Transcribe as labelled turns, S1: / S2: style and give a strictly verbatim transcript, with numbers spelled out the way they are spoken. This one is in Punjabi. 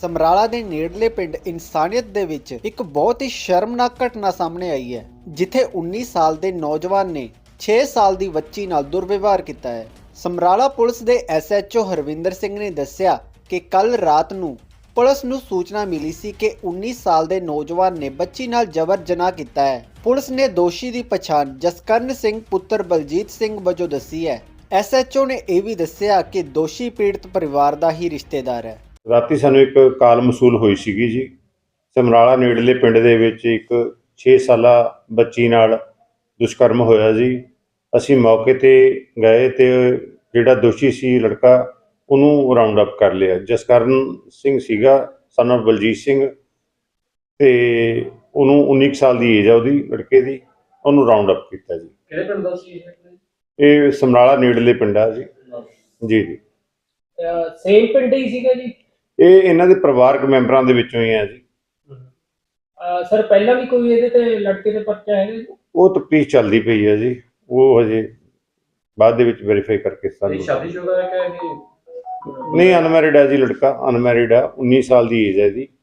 S1: ਸਮਰਾਲਾ ਦੇ ਨੇੜਲੇ ਪਿੰਡ ਇਨਸਾਨੀਅਤ ਦੇ ਵਿੱਚ ਇੱਕ ਬਹੁਤ ਹੀ ਸ਼ਰਮਨਾਕ ਘਟਨਾ ਸਾਹਮਣੇ ਆਈ ਹੈ, ਜਿੱਥੇ ਉੱਨੀ ਸਾਲ ਦੇ ਨੌਜਵਾਨ ਨੇ ਛੇ ਸਾਲ ਦੀ ਬੱਚੀ ਨਾਲ ਦੁਰਵਿਵਹਾਰ ਕੀਤਾ ਹੈ। ਸਮਰਾਲਾ ਪੁਲਿਸ ਦੇ S H O Harvinder Singh ਨੇ ਦੱਸਿਆ ਕਿ ਕੱਲ ਰਾਤ ਨੂੰ ਪੁਲਿਸ ਨੂੰ ਸੂਚਨਾ ਮਿਲੀ ਸੀ ਕਿ ਉੱਨੀ ਸਾਲ ਦੇ ਨੌਜਵਾਨ ਨੇ ਬੱਚੀ ਨਾਲ ਜਬਰ ਜਨਾਹ ਕੀਤਾ ਹੈ। ਪੁਲਿਸ ਨੇ ਦੋਸ਼ੀ ਦੀ ਪਛਾਣ ਜਸਕਰਨ ਸਿੰਘ ਪੁੱਤਰ ਬਲਜੀਤ ਸਿੰਘ ਵਜੋਂ ਦੱਸੀ ਹੈ। ਐਸ ਐਚ ਓ ਨੇ ਇਹ ਵੀ ਦੱਸਿਆ ਕਿ ਦੋਸ਼ੀ ਪੀੜਤ ਪਰਿਵਾਰ ਦਾ ਹੀ ਰਿਸ਼ਤੇਦਾਰ ਹੈ।
S2: ਰਾਤੀ ਸਾਨੂੰ ਇੱਕ ਕਾਲ ਮਸੂਲ ਹੋਈ ਸੀਗੀ ਜੀ। ਸਮਰਾਲਾ ਨੇੜਲੇ ਪਿੰਡ ਦੇ ਵਿੱਚ ਇੱਕ ਛੇ ਸਾਲਾ ਬੱਚੀ ਨਾਲ ਦੁਸ਼ਕਰਮ ਹੋਇਆ ਜੀ। ਅਸੀਂ ਮੌਕੇ ਤੇ ਗਏ ਤੇ ਜਿਹੜਾ ਦੋਸ਼ੀ ਸੀ ਲੜਕਾ ਉਹਨੂੰ ਰਾਉਂਡ ਅਪ ਕਰ ਲਿਆ। ਜਸਕਰਨ ਸਿੰਘ ਸੀਗਾ ਸਨ ਆਫ ਬਲਜੀਤ ਸਿੰਘ ਤੇ ਉਹਨੂੰ ਉੱਨੀ ਕੁ ਸਾਲ ਦੀ ਏਜ ਆ ਉਹਦੀ ਲੜਕੇ ਦੀ। ਉਹਨੂੰ ਰਾਉਂਡ ਅਪ ਕੀਤਾ ਜੀ।
S3: ਕਿਹੜੇ ਪਿੰਡ ਦਾ ਸੀ
S2: ਇਹ ਸਮਰਾਲਾ ਨੇੜਲੇ ਪਿੰਡ ਆ ਜੀ। ਜੀ ਜੀ
S3: ਸੇਮ ਪਿੰਡ ਹੀ ਸੀਗਾ ਜੀ।
S2: ਇਹ ਇਹਨਾਂ ਦੇ ਪਰਿਵਾਰਕ ਮੈਂਬਰਾਂ ਦੇ ਵਿੱਚੋਂ ਹੀ ਆ ਜੀ।
S3: ਸਰ ਪਹਿਲਾਂ ਵੀ ਕੋਈ ਇਹਦੇ ਤੇ ਲੜਕੇ ਦੇ ਪਰਚਾ ਹੈਗਾ ਜੀ?
S2: ਉਹ ਤਫਤੀਸ਼ ਚੱਲਦੀ ਪਈ ਹੈ ਜੀ। ਉਹ ਹਜੇ ਬਾਅਦ ਦੇ ਵਿੱਚ ਵੈਰੀਫਾਈ ਕਰਕੇ ਸਾਨੂੰ।
S3: ਸ਼ਾਦੀशुदा है क्या?
S2: ਨਹੀਂ, ਅਨਮੈਰਿਡ ਹੈ ਜੀ ਲੜਕਾ, ਅਨਮੈਰਿਡ ਹੈ। ਉੱਨੀ ਸਾਲ ਦੀ ਏਜ ਹੈ ਜੀ।